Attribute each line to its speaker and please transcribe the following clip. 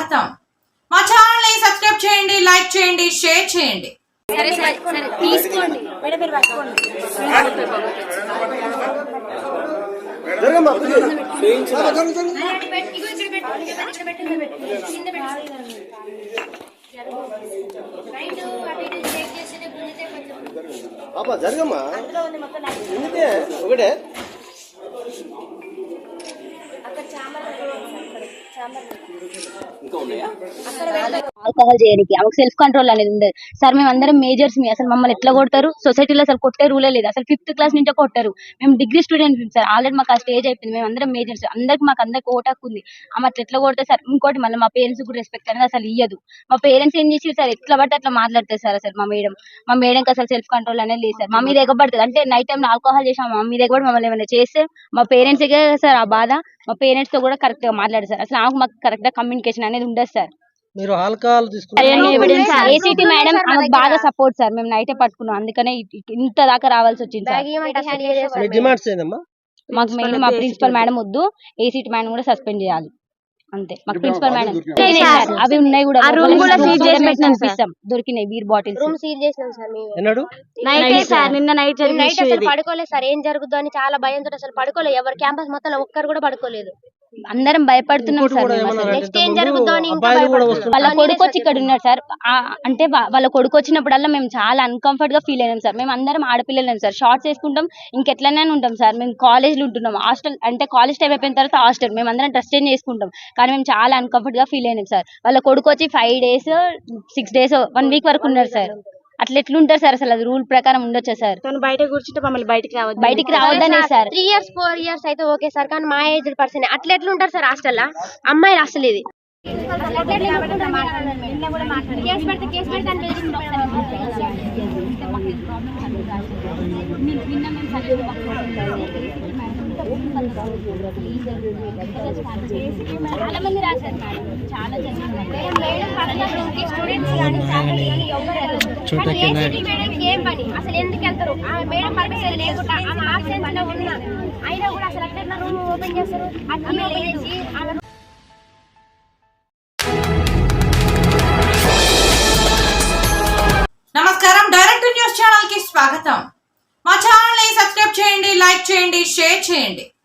Speaker 1: స్వాగతం. మా ఛానల్ ని సబ్స్క్రైబ్ చేయండి, లైక్ చేయండి, షేర్ చేయండి.
Speaker 2: సరే సరే సరే తీసుకోండి మేడం, మీరు పట్టుకోండి.
Speaker 3: జరగమ్మా ఒకటే
Speaker 2: ఆల్కహాల్ చేయడానికి ఆమెకు సెల్ఫ్ కంట్రోల్ అనేది ఉండదు సార్. మేము అందరం మేజర్స్ మీ అసలు మమ్మల్ని ఎట్లా కొడతారు? సొసైటీలో అసలు కొట్టే రూలే లేదు. అసలు 5th క్లాస్ నుంచే కొట్టారు. మేము డిగ్రీ స్టూడెంట్స్ సార్. ఆల్రెడీ మాకు ఆ స్టేజ్ అయిపోయింది. మేము అందరం మేజర్స్, అందరికి ఓటాకు ఉంది. ఆమె అట్లా ఎట్లా కొడతారు సార్? ఇంకోటి మళ్ళీ మా పేరెంట్స్ కూడా రెస్పెక్ట్ అనేది అసలు ఇయ్యదు. మా పేరెంట్స్ ఏం చేసి సార్ ఎట్లా పడితే అట్లా మాట్లాడతారు సార్. అసలు మా మేడంకి అసలు సెల్ఫ్ కంట్రోల్ అనేది లేదు సార్. మా మీద ఎగబడుతుంది అంటే నైట్ టైం ఆల్కహాల్ చేసాం, మా మీద ఎగబడి మమ్మల్ని ఏమైనా చేస్తే మా పేరెంట్స్ సార్ ఆ బాధ. మా పేరెంట్స్ తో కూడా కరెక్ట్ గా మాట్లాడారు సార్. అసలు మాకు కరెక్ట్ గా కమ్యూనికేషన్ అనేది ఉండదు సార్.
Speaker 3: మీరు ఆల్కహాల్
Speaker 2: ఏసీటీ మేడం బాగా సపోర్ట్ సార్. మేము నైటే పట్టుకున్నాం, అందుకనే ఇంత దాకా రావాల్సి వచ్చింది సార్. మాకు మెయిన్ మా ప్రిన్సిపల్ మేడం వద్దు, ఏసీటీ మేడం కూడా సస్పెండ్ చేయాలి అంతే. మాకు ప్రిన్సిపల్ మేడం అవి ఉన్నాయి కూడా, దొరికినాయి బీర్ బాటిల్స్.
Speaker 4: రూమ్ సీల్ చేసినాం సార్ మేము.
Speaker 2: నిన్న నైట్
Speaker 4: అసలు పడుకోలేదు సార్. ఏం జరుగుతుందో అని చాలా భయంతో అసలు పడుకోలేదు. ఎవరు క్యాంపస్ మొత్తం ఒక్కరు కూడా పడుకోలేదు.
Speaker 2: అందరం భయపడుతున్నాం సార్.
Speaker 4: నెక్స్ట్ ఏం జరుగుతుందో అని
Speaker 2: వాళ్ళ కొడుకు వచ్చి ఇక్కడ ఉన్నాడు సార్. అంటే వాళ్ళ కొడుకు వచ్చినప్పుడల్లా మేము చాలా అన్కంఫర్ట్ గా ఫీల్ అయినాం సార్. మేము అందరం ఆడపిల్లలేం సార్. షార్ట్స్ వేసుకుంటాం, ఇంకెట్లనే ఉంటాం సార్. మేము కాలేజ్ లో ఉంటున్నాం, హాస్టల్ అంటే కాలేజ్ టైం అయిపోయిన తర్వాత హాస్టల్. మేము అందరం డ్రెస్ చేంజ్ చేసుకుంటాం, కానీ మేము చాలా అన్కంఫర్ట్ గా ఫీల్ అయినాం సార్. వాళ్ళ కొడుకు వచ్చి 5 days 6 days 1 week వరకు ఉన్నారు సార్. అట్లా ఎట్లుంటారు సార్? అసలు అది రూల్ ప్రకారం ఉండొచ్చా సార్?
Speaker 4: బయట కూర్చుంటే మమ్మల్ని బయటికి
Speaker 2: రావద్దనే సార్.
Speaker 4: 3 years 4 years అయితే ఓకే సార్, కానీ మా ఏజ్ పర్సన్ అట్లా ఎట్లుంటారు సార్ హాస్టల్ అమ్మాయిలు? అసలు ఇది
Speaker 2: చాలా మంది రాశారు మేడం, చాలా
Speaker 4: ఏం పని అసలు ఎందుకు వెళ్తారు? మేడం పర్మిషన్ లేకుండా ఆమె ఆబ్సెన్స్ లో ఉన్నా అయినా కూడా అసలు అట్లా రూమ్ ఓపెన్ చేస్తారు.
Speaker 1: నమస్కారం, డైరెక్ట్ న్యూస్ ఛానల్ కి స్వాగతం. మా ఛానల్ ని సబ్స్క్రైబ్ చేయండి, లైక్ చేయండి, షేర్ చేయండి.